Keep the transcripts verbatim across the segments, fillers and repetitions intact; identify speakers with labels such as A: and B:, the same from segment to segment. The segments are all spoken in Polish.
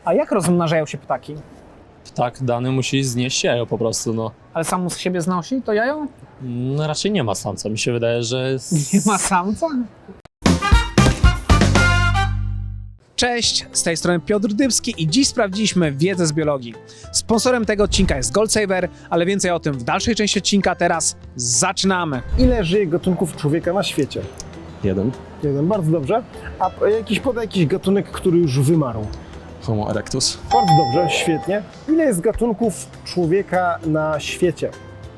A: A jak rozmnażają się ptaki?
B: Ptak dany musi znieść jajo po prostu, no.
A: Ale samo z siebie znosi to jajo?
B: no raczej nie ma samca, mi się wydaje, że... jest-
A: Nie ma samca? Cześć, z tej strony Piotr Dybski i dziś sprawdziliśmy wiedzę z biologii. Sponsorem tego odcinka jest Goldsaver, ale więcej o tym w dalszej części odcinka. Teraz zaczynamy. Ile żyje gatunków człowieka na świecie?
C: Jeden.
A: Jeden, bardzo dobrze. A jakiś podaj jakiś gatunek, który już wymarł?
C: Homo erectus.
A: Bardzo dobrze, świetnie. Ile jest gatunków człowieka na świecie?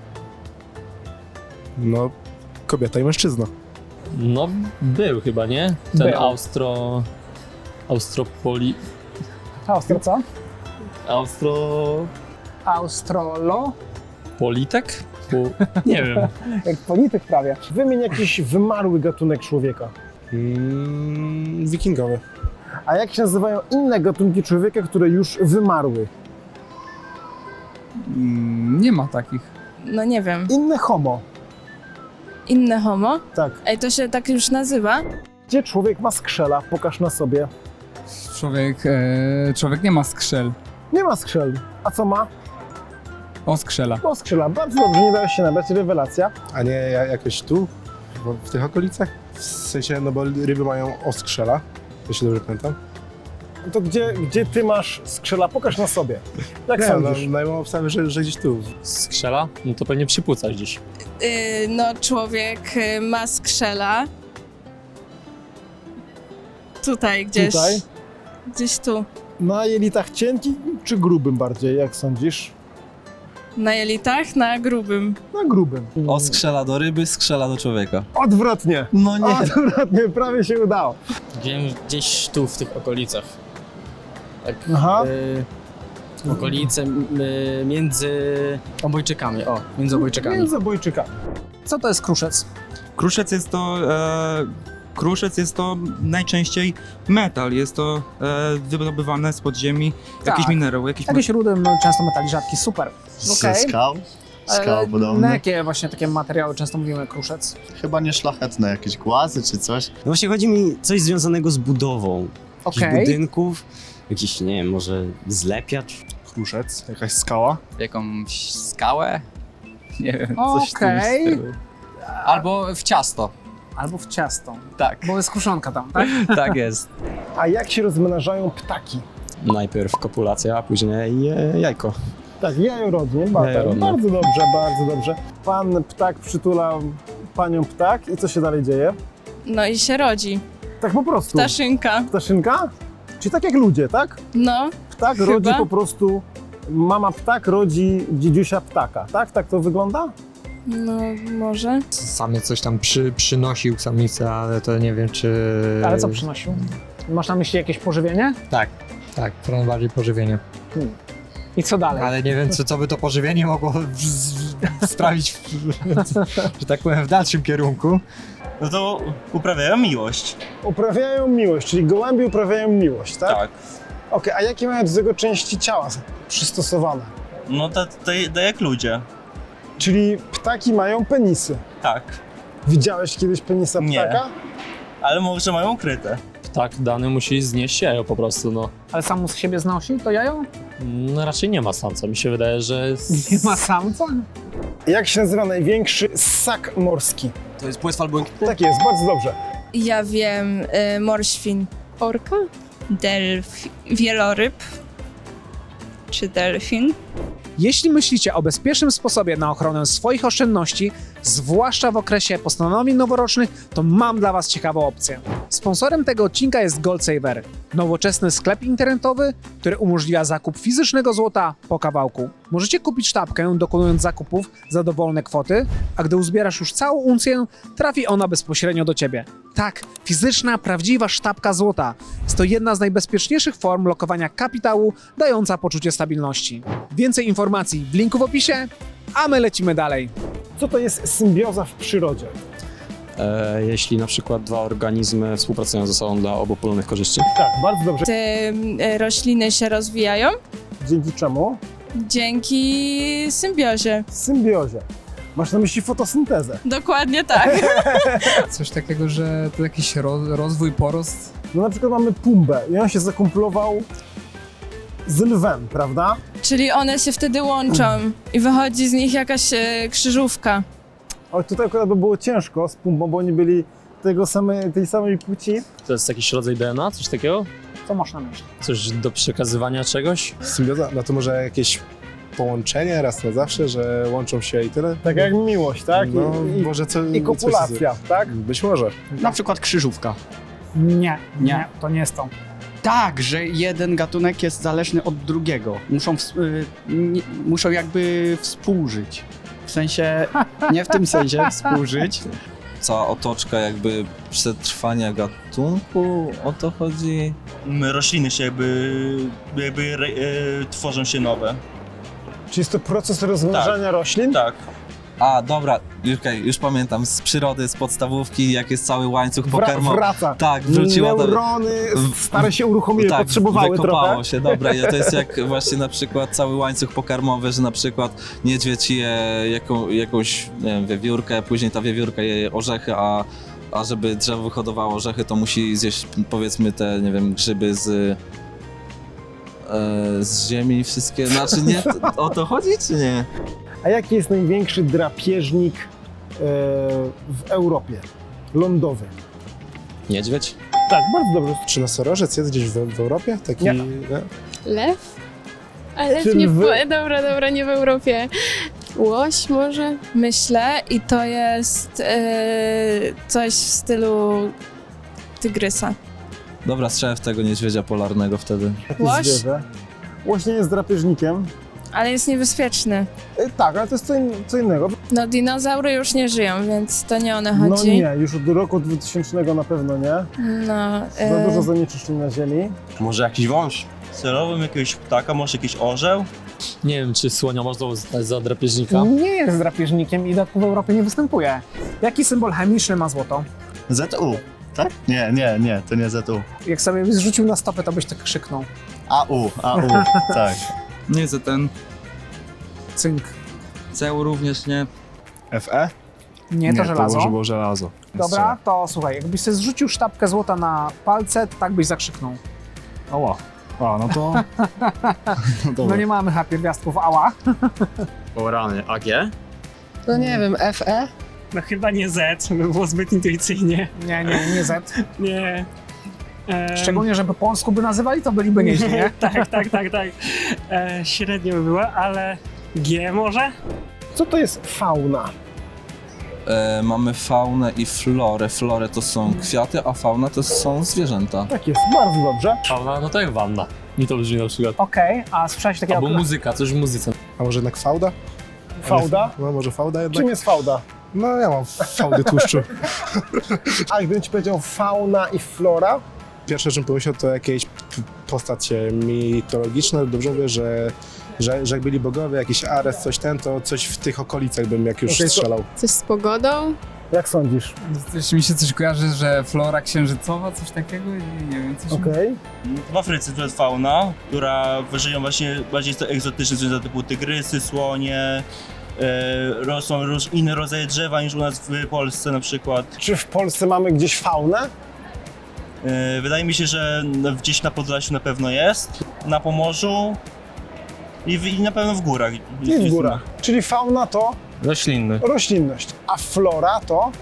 D: No, kobieta i mężczyzna.
B: No, był chyba, nie? Ten
A: Był.
B: Austro... Austropoli...
A: Austro co?
B: Austro...
A: Austrolo?
B: Politek? Po... Nie wiem.
A: Jak polityk prawie. Wymień jakiś wymarły gatunek człowieka.
D: Mm, wikingowy.
A: A jak się nazywają inne gatunki człowieka, które już wymarły?
E: Mm, Nie ma takich.
F: No nie wiem.
A: Inne homo.
F: Inne homo?
A: Tak.
F: Ej, to się tak już nazywa?
A: Gdzie człowiek ma skrzela? Pokaż na sobie.
E: Człowiek, e, człowiek nie ma skrzel.
A: Nie ma skrzel. A co ma?
E: O, skrzela.
A: No skrzela. Bardzo dobrze, nie dałeś się nabrać. Rewelacja.
D: A nie ja- jakoś tu? Bo w tych okolicach? W sensie, no bo ryby mają oskrzela. To się dobrze pamiętam.
A: To gdzie, gdzie ty masz skrzela? Pokaż na sobie. Jak
D: Nie, no,
A: sądzisz?
D: no ja mam obstawę, że, że gdzieś tu.
B: Skrzela? No to pewnie przypłuca gdzieś.
F: Yy, no człowiek y, ma skrzela. Tutaj gdzieś.
A: Tutaj?
F: Gdzieś tu.
A: Na jelitach cienkim czy grubym bardziej? Jak sądzisz?
F: Na jelitach, na grubym.
A: Na grubym.
C: O skrzela do ryby, skrzela do człowieka.
A: Odwrotnie.
C: No nie.
A: Odwrotnie, prawie się udało.
G: Wiem, gdzieś tu, w tych okolicach. Tak,
A: Aha.
G: y, okolice y, między obojczykami. O, między obojczykami.
A: Między obojczykami. Co to jest kruszec?
H: Kruszec jest to, e, kruszec jest to najczęściej metal, jest to e, wydobywane z podziemi, jakiś
A: Tak.
H: minerał, jakiś
A: Jakieś rudy, no, często metali rzadki, super.
I: Ze
A: Okej.
I: skał? Skał
A: Ale
I: podobne?
A: na jakie właśnie takie materiały często mówimy kruszec?
I: Chyba nie szlachetne, jakieś głazy czy coś.
C: No właśnie chodzi mi coś związanego z budową. Jakichś
A: Okej.
C: budynków, jakiś, nie wiem, może zlepiacz.
D: Kruszec, jakaś skała.
J: Jakąś skałę? Nie wiem, coś w tym
A: Okej.
J: stylu. Albo w ciasto.
A: Albo w ciasto.
J: Tak,
A: Bo jest kruszonka tam, tak?
J: tak jest.
A: A jak się rozmnażają ptaki?
C: Najpierw kopulacja, a później e, jajko.
A: Tak, jajorodnie, bardzo,
C: Jajorodnie.
A: bardzo dobrze, bardzo dobrze. Pan ptak przytula panią ptak i co się dalej dzieje?
F: No i się rodzi.
A: Tak po prostu.
F: Ptaszynka.
A: Ptaszynka? Czyli tak jak ludzie, tak?
F: No,
A: Ptak
F: Chyba.
A: rodzi po prostu, mama ptak rodzi dziedziusia ptaka, tak? Tak to wygląda?
F: no może.
K: Samiec coś tam przy, przynosił samicę, ale to nie wiem czy...
A: Ale co przynosił? Masz na myśli jakieś pożywienie?
K: Tak, tak, to najbardziej pożywienie.
A: I co dalej?
K: Ale nie wiem, co, co by to pożywienie mogło w, z, sprawić, w, że tak powiem, w dalszym kierunku.
L: No to uprawiają miłość.
A: Uprawiają miłość, czyli gołębie uprawiają miłość, tak?
L: Tak.
A: Okej, a jakie mają do tego części ciała przystosowane?
L: No to, to, to jak ludzie.
A: Czyli ptaki mają penisy.
L: Tak.
A: Widziałeś kiedyś penisa
L: Nie.
A: ptaka?
L: Ale może mają ukryte.
B: Ptak dany musi znieść jajo po prostu, no.
A: Ale samo z siebie znosi to jajo?
B: no raczej nie ma samca, mi się wydaje, że... jest-
A: Nie ma samca? Jak się nazywa największy ssak morski?
C: To jest płetwa albo...
A: Tak jest, bardzo dobrze.
F: Ja wiem, y, morświn. Orka?
M: Delf... Wieloryb czy delfin.
A: Jeśli myślicie o bezpiecznym sposobie na ochronę swoich oszczędności, zwłaszcza w okresie postanowień noworocznych, to mam dla Was ciekawą opcję. Sponsorem tego odcinka jest Goldsaver, nowoczesny sklep internetowy, który umożliwia zakup fizycznego złota po kawałku. Możecie kupić sztabkę, dokonując zakupów za dowolne kwoty, a gdy uzbierasz już całą uncję, trafi ona bezpośrednio do Ciebie. Tak, fizyczna, prawdziwa sztabka złota. Jest to jedna z najbezpieczniejszych form lokowania kapitału, dająca poczucie stabilności. Więcej informacji w linku w opisie, a my lecimy dalej. Co to jest symbioza w przyrodzie?
C: E, jeśli na przykład dwa organizmy współpracują ze sobą dla obopólnych korzyści.
A: Tak, bardzo dobrze.
F: Te y, rośliny się rozwijają
A: Dzięki czemu?
F: dzięki symbiozie.
A: Symbiozie. Masz na myśli fotosyntezę.
F: Dokładnie tak.
E: Coś takiego, że to jakiś roz, rozwój, porost.
A: No na przykład mamy Pumbę i on się zakumplował
K: z lwem, prawda?
F: Czyli one się wtedy łączą i wychodzi z nich jakaś e, krzyżówka.
K: Ale tutaj akurat by było ciężko z pumpą, bo oni byli tego same, tej samej płci.
B: To jest jakiś rodzaj D N A, coś takiego?
A: Co masz na myśli?
B: Coś do przekazywania czegoś?
D: Symbioza? No to może jakieś połączenie raz na zawsze, że łączą się i tyle?
K: Tak jak miłość, tak? I,
D: No,
K: i,
D: może co,
K: i
D: coś-
K: kopulacja, tak?
D: Być może.
J: Na przykład krzyżówka.
A: Nie, nie,
J: Nie.
A: to nie jest to.
J: Tak, że jeden gatunek jest zależny od drugiego. Muszą, ws- y, nie, muszą jakby współżyć. W sensie, nie w tym sensie współżyć.
N: Cała otoczka jakby przetrwania gatunku, o to chodzi?
L: M, Rośliny się jakby, jakby re, e, tworzą się nowe.
K: Czy jest to proces rozmnażania roślin?
L: Tak.
N: A, dobra, okej, już pamiętam, z przyrody, z podstawówki, jak jest cały łańcuch
K: Wra-
N: pokarmowy.
K: wraca.
N: Tak, wróciło to.
K: Neurony
N: w-
K: stare się uruchomiły,
N: tak,
K: potrzebowały
N: wykopało
K: trochę.
N: się, dobra, i to jest jak właśnie na przykład cały łańcuch pokarmowy, że na przykład niedźwiedź je jaką, jakąś, nie wiem, wiewiórkę, później ta wiewiórka je orzechy, a, a żeby drzewo wyhodowało orzechy, to musi zjeść, powiedzmy, te, nie wiem, grzyby z, e, z ziemi wszystkie, znaczy nie, to, o to chodzi, czy nie?
K: A jaki jest największy drapieżnik e, w Europie? Lądowy.
B: Niedźwiedź?
K: Tak, bardzo dobrze.
D: Czy nosorożec jest gdzieś w, w Europie? Taki,
K: Nie.
D: nie?
O: Lew? Ale
K: Czy
O: nie w,
K: lwy?
O: dobra, dobra, nie w Europie. Łoś może?
F: Myślę i to jest e, coś w stylu tygrysa.
N: Dobra, strzelę w tego niedźwiedzia polarnego wtedy.
K: Jakie
F: Łoś?
K: zwierzę? Łoś nie jest drapieżnikiem.
F: Ale jest niebezpieczny.
K: E, tak, ale to jest co, in, co innego.
F: No dinozaury już nie żyją, więc to nie one
K: No
F: chodzi.
K: nie, już od roku dwutysięcznego na pewno nie.
F: No,
K: Za
F: e,
K: dużo zanieczyszczeń na ziemi.
L: Może jakiś wąż? Celowym jakiegoś ptaka, może jakiś orzeł?
B: Nie wiem, czy słonia można uznać za drapieżnika.
A: Nie jest drapieżnikiem i w Europie nie występuje. Jaki symbol chemiczny ma złoto?
I: Z U, tak? Nie, nie, nie, to nie Z U.
A: Jak sobie byś zrzucił na stopę, to byś tak krzyknął.
I: A U, A U, tak.
H: Nie, za ten
A: Cynk.
H: C E U również nie.
D: F E?
A: Nie, to żelazo.
D: To może było żelazo.
A: Dobra, to słuchaj, jakbyś sobie zrzucił sztabkę złota na palce, to tak byś zakrzyknął.
K: Ała. A, no to...
A: No nie mamy chyba pierwiastków ała.
C: O rany, A G?
O: No nie wiem, F E?
G: No chyba nie Z, by było zbyt intuicyjnie.
A: Nie, nie, nie Z.
G: Nie. Em,
A: Szczególnie, żeby po polsku by nazywali, to byliby nieźli, nie?
G: tak, tak, tak, tak. E, średnio by było, ale G może?
K: Co to jest fauna?
N: E, mamy faunę i florę. Florę to są kwiaty, a fauna to są zwierzęta.
K: Tak jest, bardzo dobrze.
B: Fauna, no to jak wanna. Mi to brzmi na przykład.
A: Okej, a słyszałeś takiego...
B: Albo muzyka, coś w muzyce.
D: A może jednak fałda?
K: Fałda?
D: No może fałda jednak?
K: Czym jest fałda?
D: No ja mam fałdy tłuszczu.
K: A gdybym ci powiedział fauna i flora?
D: Pierwsze, czym pomyślał, to jakieś p- postacie mitologiczne. Dobrze mówię, że, że, że jak byli bogowie, jakiś Ares, coś ten, to coś w tych okolicach bym jak już
K: Okej, to-
D: strzelał.
O: Coś z pogodą?
K: Jak sądzisz?
E: Coś mi się coś kojarzy, że flora księżycowa, coś takiego? Nie, nie wiem, coś...
K: Okej.
L: W Afryce to jest fauna, która żyją właśnie bardziej to egzotyczne zwierzęta typu tygrysy, słonie, e, rosną róż, inne rodzaje drzewa niż u nas w Polsce na przykład.
K: Czy w Polsce mamy gdzieś faunę?
L: E, wydaje mi się, że no, gdzieś na Podlasiu na pewno jest, na Pomorzu i, w, i na pewno w górach.
K: I w górach. Czyli fauna to
G: Roślinny.
K: roślinność, a flora to...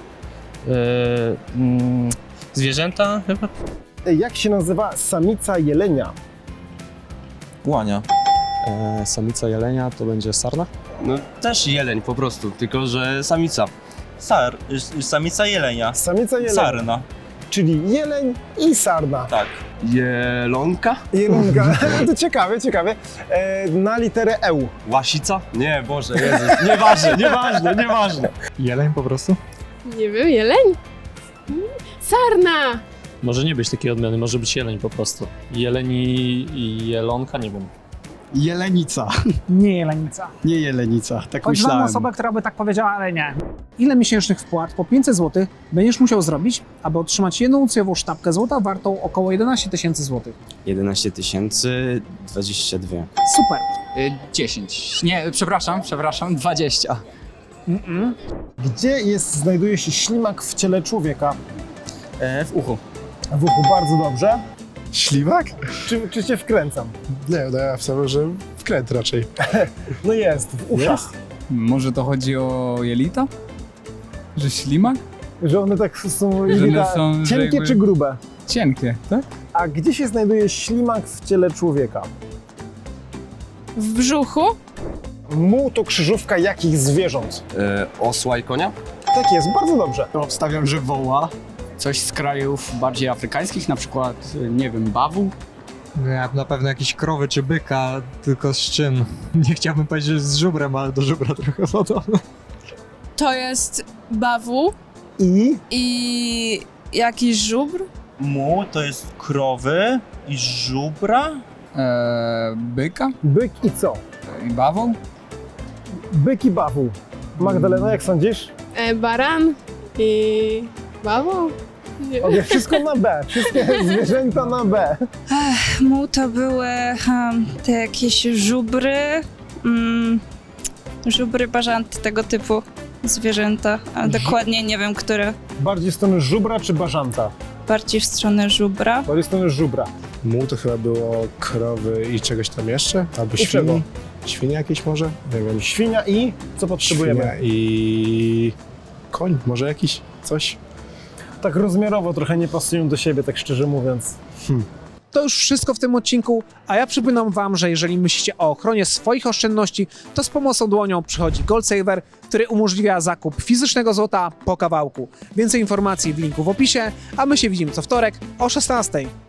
G: mm, zwierzęta chyba?
K: Jak się nazywa samica jelenia?
N: Łania.
C: E, samica jelenia to będzie sarna?
G: No też jeleń po prostu, tylko że samica.
L: Sar, y, samica jelenia.
K: Samica jelenia.
L: Sarna,
K: Czyli jeleń i sarna.
L: tak.
G: Jelonka?
K: Jelonka. To ciekawe, ciekawe. E, na literę E.
G: Łasica? Nie, Boże, Jezus. Nieważne, nieważne, nieważne.
K: Jeleń po prostu?
O: Nie wiem, jeleń? Sarna!
B: Może nie być takiej odmiany, może być jeleń po prostu. Jeleń i, i jelonka, nie wiem.
J: Jelenica,
A: Nie jelenica.
J: nie jelenica, tak
A: Choć znam
J: myślałem.
A: osobę, która by tak powiedziała, ale nie. Ile miesięcznych wpłat po pięćset złotych będziesz musiał zrobić, aby otrzymać jednouncjową sztabkę złota wartą około jedenaście tysięcy złotych?
C: jedenaście tysięcy dwadzieścia dwa.
A: Super.
E: Y, dziesięć. Nie, przepraszam, przepraszam, dwadzieścia.
A: Mm-mm.
K: Gdzie jest, znajduje się ślimak w ciele człowieka?
G: E, w uchu.
K: W uchu, bardzo dobrze.
D: Ślimak?
P: Czy, czy cię wkręcam?
D: Nie, no ja wstawiam, że wkręt raczej.
P: No jest, w uszach.
E: Może to chodzi o jelita? Że ślimak?
P: Że one tak są,
E: Że
P: jelita
E: one są, że
P: cienkie
E: jakby-
P: czy grube?
E: Cienkie, tak?
P: A gdzie się znajduje ślimak w ciele człowieka?
F: W brzuchu?
P: Muł to krzyżówka jakich zwierząt?
C: E, osła i konia?
P: Tak jest, bardzo dobrze.
J: To obstawiam, że woła. Coś z krajów bardziej afrykańskich, na przykład, nie wiem, bawu.
K: Ja na pewno jakieś krowy czy byka, tylko z czym? Nie chciałbym powiedzieć, że z żubrem, ale do żubra trochę podobno.
F: To jest bawu
P: I?
F: i jakiś żubr.
L: Mu to jest krowy i żubra.
E: Eee, byka?
P: Byk i co?
E: I bawoł?
P: Byk i bawu. Magdalena, jak sądzisz?
O: E, baran i bawoł. Nie.
P: Okej, wszystko na B. Wszystkie zwierzęta na B.
M: Ech, mu to były um, te jakieś żubry, mm, żubry, bażanty, tego typu zwierzęta, a dokładnie nie wiem, które.
P: Bardziej w stronę żubra czy bażanta?
M: Bardziej w stronę żubra.
P: Bardziej w stronę żubra.
D: Muł to chyba było krowy i czegoś tam jeszcze? Albo
P: I
D: świni?
P: czego?
D: Świnie jakieś może? Nie wiem.
P: Świnia i co potrzebujemy?
D: Świnia i koń może jakiś? Coś?
P: Tak rozmiarowo trochę nie pasują do siebie, tak szczerze mówiąc.
A: To już wszystko w tym odcinku, a ja przypominam wam, że jeżeli myślicie o ochronie swoich oszczędności, to z pomocą dłonią przychodzi GoldSaver, który umożliwia zakup fizycznego złota po kawałku. Więcej informacji w linku w opisie, a my się widzimy co wtorek o szesnastej.